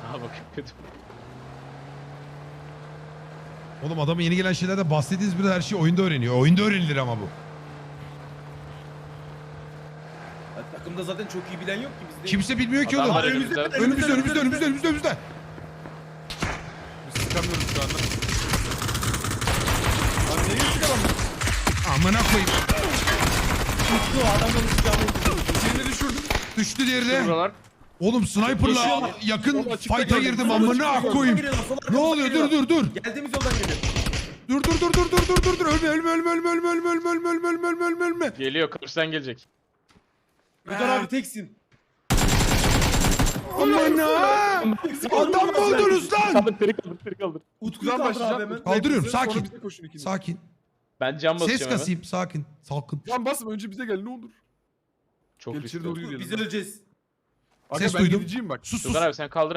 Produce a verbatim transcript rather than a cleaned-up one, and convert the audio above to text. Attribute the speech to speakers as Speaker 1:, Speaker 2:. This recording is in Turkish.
Speaker 1: Aa bak kötü.
Speaker 2: Oğlum adamın yeni gelen şeylerden bahsettiğiniz bir her şey oyunda öğreniyor. Oyunda öğrenilir ama bu.
Speaker 3: Ya, takımda zaten çok iyi bilen yok ki bizde.
Speaker 2: Kimse bilmiyor ki oğlum.
Speaker 1: Adamlar
Speaker 2: Önümüzde,
Speaker 1: önümüzde.
Speaker 2: önümüzde, önümüzde, önümüzde, önümüzde, önümüzde.
Speaker 4: Biz sıkamıyoruz şu anda.
Speaker 3: Lan nereye çıkalım?
Speaker 2: Amına koyayım.
Speaker 3: Tuttu adamın silahını tuttu.
Speaker 4: Birini düşürdüm.
Speaker 2: Düştü diğeri de.
Speaker 1: Buralar.
Speaker 2: Oğlum sniper'la
Speaker 3: Koşuyor.
Speaker 2: yakın
Speaker 4: Oğlum açıkta
Speaker 2: fight'a
Speaker 4: geldi.
Speaker 2: girdim
Speaker 4: Sola
Speaker 2: amına
Speaker 4: çıkıyor.
Speaker 2: koyayım.
Speaker 3: Geliyorlar, sola
Speaker 2: Ne
Speaker 3: arkamızdan
Speaker 2: oluyor? Dur
Speaker 3: geliyorlar.
Speaker 2: dur dur.
Speaker 3: Geldiğimiz yoldan geliyor.
Speaker 2: Dur dur dur dur dur dur dur dur. Ölme ölme ölme ölme ölme ölme ölme ölme ölme ölme ölme ölme ölme.
Speaker 1: Geliyor karşıdan gelecek.
Speaker 3: Rıdvan abi teksin.
Speaker 2: Amına. Adam mı oldunuz lan?
Speaker 1: Kaldır teri kaldır teri kaldır.
Speaker 3: Utku'yu
Speaker 4: Kutudan
Speaker 3: kaldır abi
Speaker 4: başlayacağım.
Speaker 3: hemen.
Speaker 4: Utku'ya
Speaker 2: Kaldırıyorum,
Speaker 4: bize, sonra
Speaker 2: sakin.
Speaker 4: bize koşun ikiniz.
Speaker 2: Sakin.
Speaker 1: Ben cam basacağım
Speaker 2: Ses
Speaker 1: hemen.
Speaker 2: kasayım. Sakin. Salkın.
Speaker 4: Lan basma önce bize gel ne olur.
Speaker 1: Çok
Speaker 4: Gel içeri
Speaker 1: riskli.
Speaker 4: doğru
Speaker 3: Utku,
Speaker 4: yürüyelim.
Speaker 3: Biz öleceğiz.
Speaker 4: Aga
Speaker 2: Ses
Speaker 4: ben
Speaker 2: duydum.
Speaker 4: gideceğim bak.
Speaker 2: Sus sus.
Speaker 1: Rıdvan abi sen kaldır